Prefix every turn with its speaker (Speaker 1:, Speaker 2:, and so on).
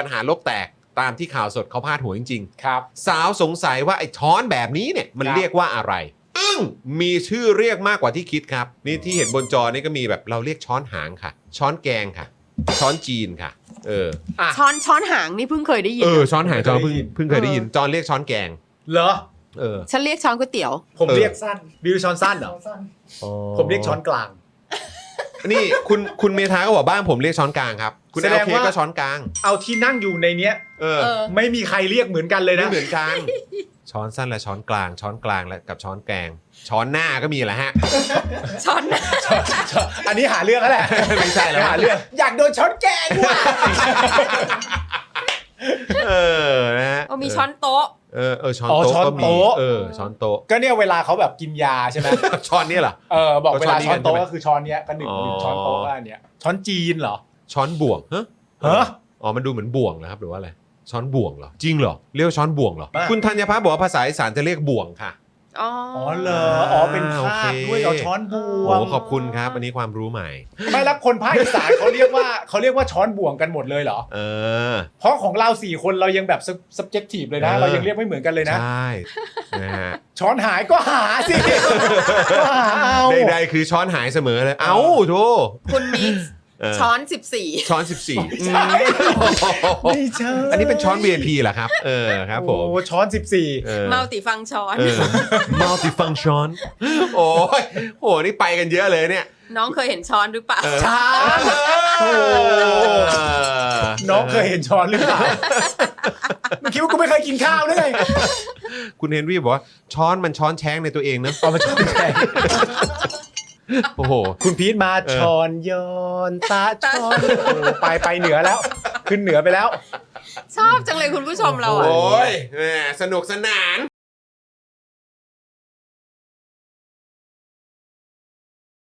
Speaker 1: ปัญหาโลกแตกตามที่ข่าวสดเขาพาดหัวจริง
Speaker 2: ครับ
Speaker 1: ๆสาวสงสัยว่าไอ้ช้อนแบบนี้เนี่ยมัน
Speaker 2: ครับ
Speaker 1: เรียกว่าอะไรมีชื่อเรียกมากกว่าที่คิดครับนี่ที่เห็นบนจอนี่ก็มีแบบเราเรียกช้อนหางค่ะ ช้อนแกงค่ะ ช้อนจีนค่ะ
Speaker 2: อ่ะ
Speaker 3: ช้อนหางนี่เพิ่งเคยได้ยิน
Speaker 1: ช้อนหางจอนเพิ่ง
Speaker 2: เคยได้ยิน
Speaker 1: เพิ่งเคยได้ยินจอนเรียกช้อนแกง
Speaker 2: เหรอ
Speaker 3: ฉันเรียกช้อนก๋วยเตี๋ยว
Speaker 2: ผม
Speaker 1: เออ
Speaker 2: เรียกสั้นบิวช้อนสั้นเหรอผมเรียกช้อนกลาง
Speaker 1: นี่คุณเมธาก็บอกบ้านผมเรียกช้อนกลางครับคุณ
Speaker 2: แส
Speaker 1: เอ
Speaker 2: ด
Speaker 1: ล
Speaker 2: ง
Speaker 1: เค
Speaker 2: ว่า
Speaker 1: ก็ช้อนกลาง
Speaker 2: เอาที่นั่งอยู่ในเนี้ย
Speaker 1: เออ
Speaker 2: ไม่มีใครเรียกเหมือนกันเลย
Speaker 1: ไม่
Speaker 2: นะ
Speaker 1: เหมือนกัน ช้อนสั้นและช้อนกลาง ช้อนกลางและกับช้อนแกง ช้อนหน้าก็มีแหละฮะ
Speaker 3: ช้อน
Speaker 2: อันนี้หาเรื่องแล้วแหละ
Speaker 1: ไม่ใช่แล้ว
Speaker 2: หาเรื่องอยากโดนช้อนแกงว่ะ
Speaker 1: นะฮะ
Speaker 3: มีช้อนโต๊ะ
Speaker 1: ช้อน
Speaker 2: อ๋อ
Speaker 1: โต๊ะ
Speaker 2: ช้อน
Speaker 1: ก็มี
Speaker 2: โต๊ะ
Speaker 1: ช้อนโต๊ะ
Speaker 2: ก็เนี่ยเวลาเขาแบบกินยาใช่ไหม
Speaker 1: ช้อนนี่เหรอ
Speaker 2: บอกเวลาช้อนโต๊ะ
Speaker 1: ก็ช้อนนี้กันใช่ไหม
Speaker 2: ก็คือช้อนเนี้ยก็หนึ่ง
Speaker 1: อ๋อ
Speaker 2: ช้อนโต๊ะก็อันเนี้ยช้อนจีนเหรอ
Speaker 1: ช้อนบ่วงฮะ
Speaker 2: ฮะ
Speaker 1: อ๋อมันดูเหมือนบ่วงนะครับหรือว่าอะไรช้อนบ่วงเหรอจริงเหรอเรียกว่าช้อนบ่วงเหรอ
Speaker 2: บ้า
Speaker 1: คุณธัญพัฒน์บอกว่าภาษาอีสานจะเรียกบ่วงค่ะ
Speaker 3: อ๋อ
Speaker 2: อ๋อเหรออ๋อเป็นภาคด้วยเอาช้อนบว
Speaker 1: โอ้
Speaker 2: ง
Speaker 1: ขอบคุณครับอันนี้ความรู้ใหม่
Speaker 2: ไม่แล้วคนภาคอีสานเขาเรียกว่าช้อนบ่วงกันหมดเลยเหรอ
Speaker 1: เออ
Speaker 2: เพราะของเรา4คนเรายังแบบ subjective เลยนะ เรายังเรียกไม่เหมือนกันเลยนะ
Speaker 1: ใช่นะฮะ
Speaker 2: ช้อนหายก็หาสิก็หาเอา
Speaker 1: ใดๆคือช้อนหายเสมอเลยเอ้าโธ่
Speaker 3: คุณมิกซ์
Speaker 1: เออ
Speaker 3: ช้อน 14
Speaker 1: ช้อน 14
Speaker 2: ไม่ใช่
Speaker 1: อันนี้เป็นช้อน VIP เหรอครับครับผม
Speaker 2: โอ้ช้อน14
Speaker 3: มัลติฟังช้อน
Speaker 1: multifunction โอ้ยโหนี่ไปกันเยอะเลยเนี่ย
Speaker 3: น้องเคยเห็นช้อนหรือเปล่า
Speaker 2: ช้าโอ้น้องเคยเห็นช้อนหรือเปล่าไม่คิดว่ากูไม่เคยกินข้าวด้วยไง
Speaker 1: คุณเฮนรี่บอกว่าช้อนมันช้อนแช้งในตัวเองเนอะ
Speaker 2: เอามาช้อนแทน
Speaker 1: โอ้โห
Speaker 2: คุณพีทมาช้อนย้อนตาช้อนโอ้ไปเหนือแล้ว ขึ้นเหนือไปแล้ว
Speaker 3: ชอบจังเลยคุณผู้ชมเราอ่ะ
Speaker 1: โอ้ยแหมสนุกสนาน